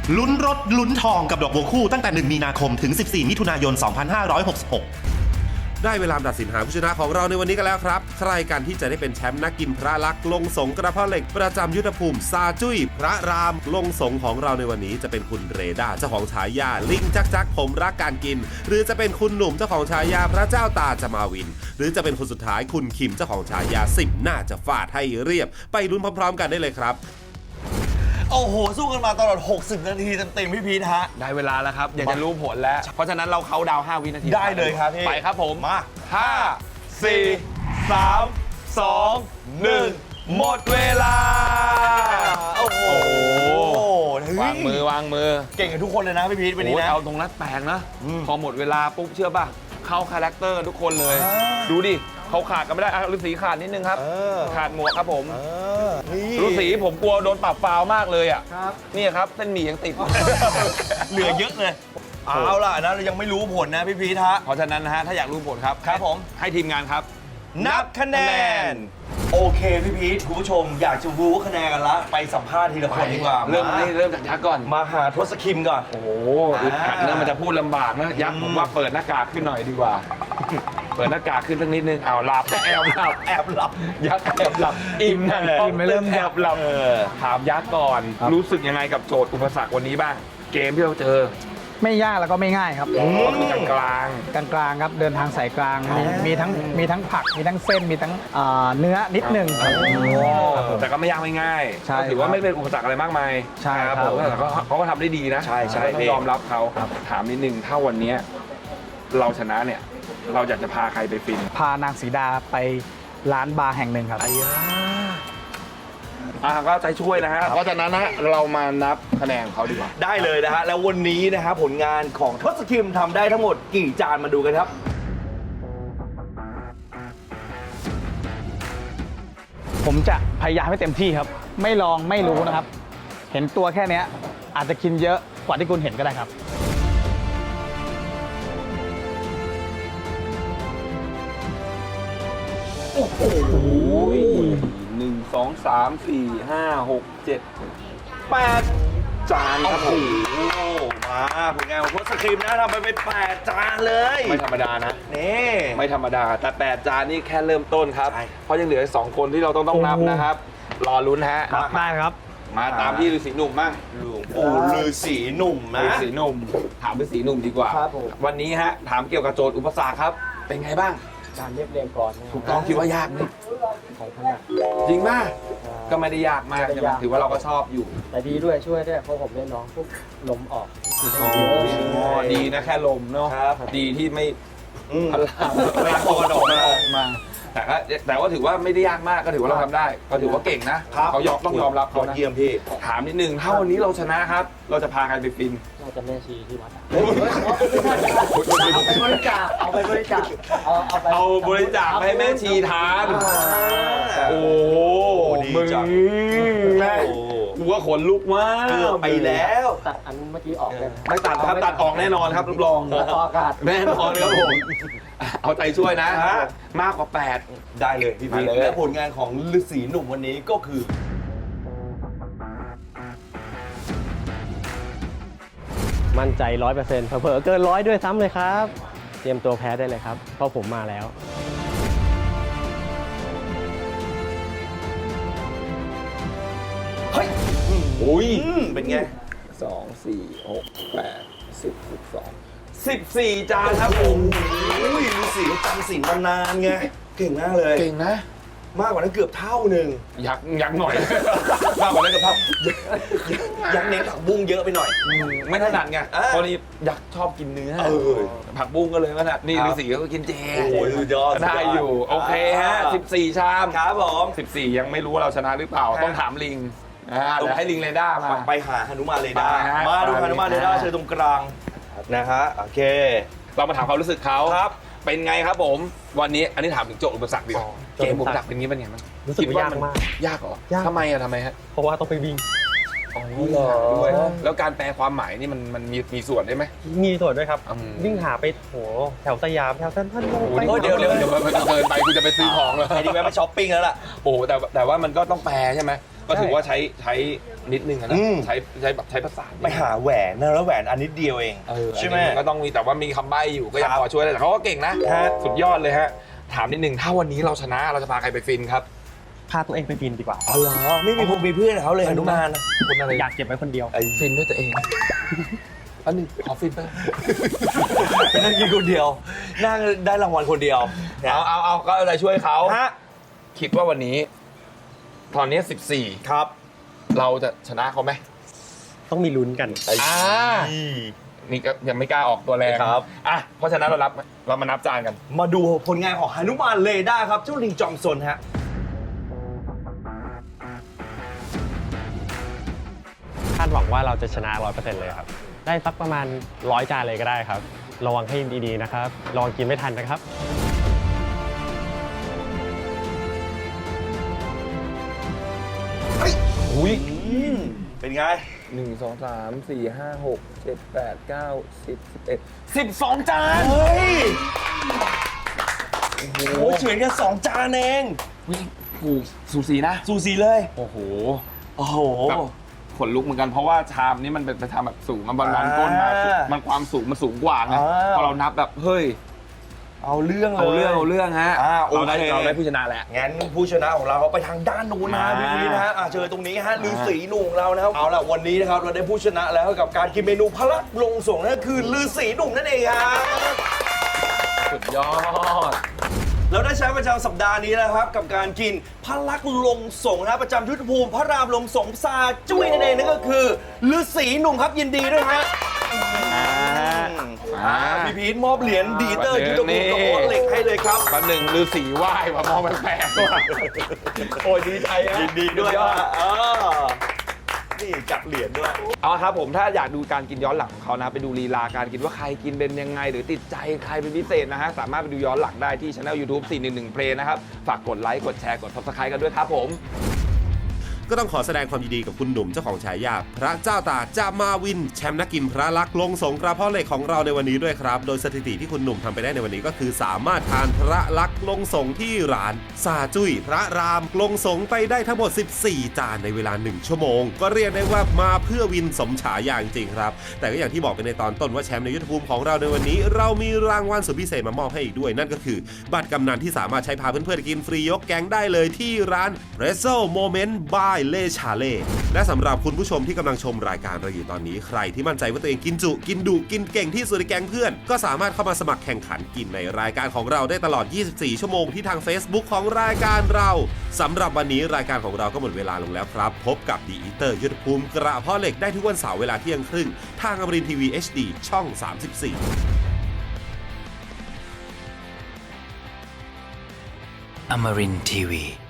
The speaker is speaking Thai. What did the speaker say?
ลุ้นรถลุ้นทองกับดอกบัวคู่ตั้งแต่1มีนาคมถึง14มิถุนายน2566ได้เวลาตัดสินหาผู้ชนะของเราในวันนี้กันแล้วครับใครกันที่จะได้เป็นแชมป์นักกินพระลักษณ์ลงสงกระเพาะเหล็กประจำยุทธภูมิซาจุ้ยพระรามลงสงของเราในวันนี้จะเป็นคุณเรดาเจ้าของฉายาลิงจักผมรักการกินหรือจะเป็นคุณหนุ่มเจ้าของฉายาพระเจ้าตาจะมาวินหรือจะเป็นคนสุดท้ายคุณคิมเจ้าของฉายา10หน้าจะฟาดให้เรียบไปลุ้นพร้อมๆกันได้เลยครับโอ้โหสู้กันมาตลอด60 นาทีเต็มๆพี่พีทฮะได้เวลาแล้วครับอยากจะรู้ผลแล้วเพราะฉะนั้นเราเขาดาว5 วินาทีได้เลยครับพี่ไปครับผมมา 5 4 3 2 1หมดเวลาโอ้โหวางมือเก่งกันทุกคนเลยนะพี่พีทวันนี้นะเอาตรงนั้นแปลกนะพอหมดเวลาปุ๊บเชื่อป่ะเข้าคาแรคเตอร์ทุกคนเลยดูดิเขาขาดกันไม่ได้ฤาษีขาดนิดนึงครับขาดหมวกครับผมฤาษีผมกลัวโดนปรับฟาวมากเลยอ่ะนี่ครับเส้นหมี่ยังติดเหลือเยอะเลยเอาล่ะนะเรายังไม่รู้ผลนะพี่พีทฮะเพราะฉะนั้นนะฮะถ้าอยากรู้ผลครับครับผมให้ทีมงานครับนับคะแนนโอเคพี่พีทคุณผู้ชมอยากจะรู้คะแนนกันละไปสัมภาษณ์ทีละคนดีกว่าเริ่มจากยักษ์ก่อนมาหาทศคิมก่อนโอ้โหอึดอัดนะมันจะพูดลำบากนะยักษ์ผมว่าเปิดหน้ากากขึ้นหน่อยดีกว่าเปิดหน้ากากขึ้นสักนิดนึงเอาหลับแอบหลับยักษ์แอบหลับอิ่มนะไม่เริ่มแอบหลับถามยักษ์ก่อนรู้สึกยังไงกับโจทย์อุปสรรควันนี้บ้างเกมที่เราเจอไม่ยากแล้วก็ไม่ง่ายครับกลางครับเดินทางสายกลางมีทั้งผักมีทั้งเส้นมีทั้งเนื้อนิดนึงแต่ก็ไม่ยากไม่ง่ายถือว่าไม่เป็นอุปสรรคอะไรมากมายใช่ครับแต่เขาก็ทำได้ดีนะใช่ต้องยอมรับเขาถามนิดนึงถ้าวันนี้เราชนะเนี่ยเราอยากจะพาใครไปฟินพานางสีดาไปร้านบาร์แห่งหนึ่งครับก็ใจช่วยนะฮะเพราะฉะนั้นนะเรามานับคะแนนเขาดีกว่าได้เลยนะฮะแล้ววันนี้นะฮะผลงานของทศคิมทำได้ทั้งหมดกี่จานมาดูกันครับผมจะพยายามให้เต็มที่ครับไม่ลองไม่รู้นะครับเห็นตัวแค่นี้อาจจะกินเยอะกว่าที่คุณเห็นก็ได้ครับโอ้โห1 2 3 4 5 6 7 8 จานครับผมมาผลงานของทศคิมนะทำไปเป็น8 จานเลยไม่ธรรมดานะนี่ไม่ธรรมดาแต่8 จานนี่แค่เริ่มต้นครับเพราะยังเหลือ2 คนที่เราต้องนับนะครับรอลุ้นฮะได้ครับมาตามที่ฤาษีหนุ่มบ้างฤาษีหนุ่มนะฤาษีหนุ่มถามฤาษีหนุ่มดีกว่าวันนี้ฮะถามเกี่ยวกับโจทย์อุปสรรคครับเป็นไงบ้างการเรียบเรียงก่อนถูกต้องคิดว่ายากไหมจริงมากก็ไม่ได้ยากมากถือว่าเราก็ชอบอยู่แต่ดีด้วยช่วยด้วยเพราะผมเล่นน้องปุ๊บลมออกดีนะแค่ลมเนาะดีที่ไม่พลังตัวดอกมาแต่ว่าถือว่าไม่ได้ยากมากก็ถือว่าเราทำได้ก็ถือว่าเก่งนะเขาต้องยอมรับเขาเยี่ยมพี่ถามนิดนึงถ้าวันนี้เราชนะครับเราจะพาใครไปฟินเราจะแม่ชีที่วัดเอาไปบริจาคเอาบริจาคให้แม่ชีทานโอ้มึงแม่กูว่าขนลุกมากไปแล้วตัดอันเมื่อกี้ออกเลยไม่ตัดครับตัดออกแน่นอนครับรับรองอากาศแน่นอนครับผมเอาใจช่วยนะมากกว่า8 ได้เลยพี่ๆและผลงานของฤาษีหนุ่มวันนี้ก็คือมั่นใจ 100% เผลอเกิน100ด้วยซ้ำเลยครับเตรียมตัวแพ้ได้เลยครับเพราะผมมาแล้วเฮ้ยอุ้ยเป็นไง 2 4 6 8 10 12 14 จานครับผมฤาษีจำศีลมานานไงเก่งมากเลยเก่งนะมากกว่านั้นเกือบเท่าหนึ่งยักหน่อยมากกว่านั้นเกือบเท่ายักเน้นผักบุ้งเยอะไปหน่อยไม่ถนัดไงเพราะนี่ยักชอบกินเนื้อผักบุ้งก็เลยถนัดนี่ฤาษีก็กินเจโอ้ยยอดได้อยู่โอเคฮะ14 ชามครับผม 14ยังไม่รู้ว่าเราชนะหรือเปล่าต้องถามลิงเดี๋ยวให้ลิงเรดาร์มาไปหาหนุมานเรดาร์มาดูหนุมานเรดาร์เชิญตรงกลางนะฮะโอเคเรามาถามความรู้สึกเขาครับเป็นไงครับผมวันนี้อันนี้ถามถึงโจทย์อุปสรรคดีกว่าเกมอุปสรรคเป็นงี้เป็นไงบ้างรู้สึกยากมากยากเหรอทำไมฮะเพราะว่าต้องไปวิ่งด้วยแล้วการแปลความหมายนี่มันมีส่วนได้ไหมมีส่วนด้วยครับวิ่งหาไปโหแถวสยามแถวเซ็นทรัลเดี๋ยวมันเกินไปคุณจะไปซื้อของแล้วไอ้นี่แวะไปช้อปปิ้งแล้วล่ะโอ้แต่ว่ามันก็ต้องแปลใช่ไหมก็ถือว่าใช้นิดนึงอะนะอืมใช้ภาษาไปหาแหวนนะแล้วแหวนอันนิดเดียวเองใช่ใช่ไหไหมมก็ต้องมีแต่ว่ามีคำใบ้อยู่ก็ยังครับพอช่วยได้แต่เขาก็เก่งนะฮะสุดยอดเลยฮะถามนิดนึงถ้าวันนี้เราชนะเราจะพาใครไปฟินครับพาตัวเองไปบินดีกว่าอ๋อเหรอไม่มีผมมีเพื่อนเขาเลยหนุมานนะคุณอะไรอยากเก็บไว้คนเดียวฟินด้วยตัวเองอันนึงขอฟินไปเป็นนักกินคนเดียวนั่งได้รางวัลคนเดียวนะเอาก็อะไรช่วยเขาฮะคิดว่าวันนี้ตอนนี้ครับ 14 เราจะชนะเขาไหมต้องมีลุ้นกันนี่ก็ยังไม่กล้าออกตัวแรงครับอ่ะเพราะฉะนั้นเรามานับจานกันมาดูผลงานของหนุมานเรดาร์ครับเจ้าลิงจอมซนฮะคาดหวังว่าเราจะชนะ 100% เลยครับ ได้สักประมาณ 100 จานเลยก็ได้ครับ ระวังให้ดีๆนะครับ ระวังกินไม่ทันนะครับอุ้ยเป็นไง 1 2 3 4 5 6 7 8 9 10 11 12 จานเฮ้ย โอ้โหเฉือนกัน2 จานเองอุ้ยถูกสูสีนะสูสีเลยโอ้โหโอ้โหแบบขนลุกเหมือนกันเพราะว่าชามนี้มันเป็นชามแบบสูงมันบอลก้นมามันความสูงมันสูงกว่าไงพอเรานับแบบเฮ้ยเอาเรื่องเลยเอาเรื่องฮะโอเคเราได้ผู้ชนะแล้วงั้นผู้ชนะของเราเขาไปทางด้านนู้นนะมาพี่นะฮะเจอตรงนี้ฮะฤาษีหนุ่มเรานะครับ เอาล่ะวันนี้นะครับเราได้ผู้ชนะแล้วกับการกินเมนูพระลงสงฆ์นั่นคือฤาษีหนุ่มนั่นเองครับสุดยอดเราได้ใช้ประจำสัปดาห์นี้นะครับ กับการกินพระลักษณ์ลงสงฆ์นะครับประจำยุทธภูมิพระรามลงสงฆ์ซาจุ้ยนั่นเองนั่นก็คือฤาษีหนุ่มครับยินดีด้วยฮะพี่พีทมอบเหรียญดีเตอร์ยุทธภูมิกับโอ๊ตเหล็กให้เลยครับแป๊บหนึ่งฤาษีไหว้ว่ามองแปลกๆว่ะโอ้ยดีใจฮะยินดีด้วยสุยอฮะนี่จับเหรียญด้วยเอาครับผมถ้าอยากดูการกินย้อนหลังของเขานะไปดูลีลาการกินว่าใครกินเป็นยังไง หรือติดใจใครเป็นพิเศษนะฮะสามารถไปดูย้อนหลังได้ที่ช่อง YouTube 411 Play นะครับฝากกดไลค์กดแชร์กด Subscribe กันด้วยครับผมก็ต้องขอแสดงความยินดีกับคุณหนุ่มเจ้าของฉายาพระเจ้าตากจามาวินแชมป์นักกินพระลักษณ์ลงสงกระเพาะเหล็กของเราในวันนี้ด้วยครับโดยสถิติที่คุณหนุ่มทำไปได้ในวันนี้ก็คือสามารถทานพระลักษณ์ลงสงที่ร้านซาจุ้ยพระรามลงสงไปได้ทั้งหมด14 จานในเวลา1 ชั่วโมงก็เรียกได้ว่ามาเพื่อวินสมฉายาจริงๆครับแต่ก็อย่างที่บอกไปในตอนต้นว่าแชมป์ในยุทธภูมิของเราในวันนี้เรามีรางวัลสุดพิเศษมามอบให้อีกด้วยนั่นก็คือบัตรกำนันที่สามารถใช้พาเพื่อนๆกินฟรียกแก๊งได้เลยที่ร้าน Rezo Moment by เล่ชาเล่และสำหรับคุณผู้ชมที่กำลังชมรายการเราอยู่ตอนนี้ใครที่มั่นใจว่าตัวเองกินจุกินดุกินเก่งที่สุดในแก๊งเพื่อนก็สามารถเข้ามาสมัครแข่งขันกินในรายการของเราได้ตลอด24 ชั่วโมงที่ทาง Facebook ของรายการเราสำหรับวันนี้รายการของเราก็หมดเวลาลงแล้วครับพบกับดีอีเตอร์ยุทธภูมิกระเพาะเหล็กได้ทุกวันเสาร์เวลาเที่ยงครึ่งทางอมรินทร์ทีวี HD ช่อง 34 Amarin Tiwi.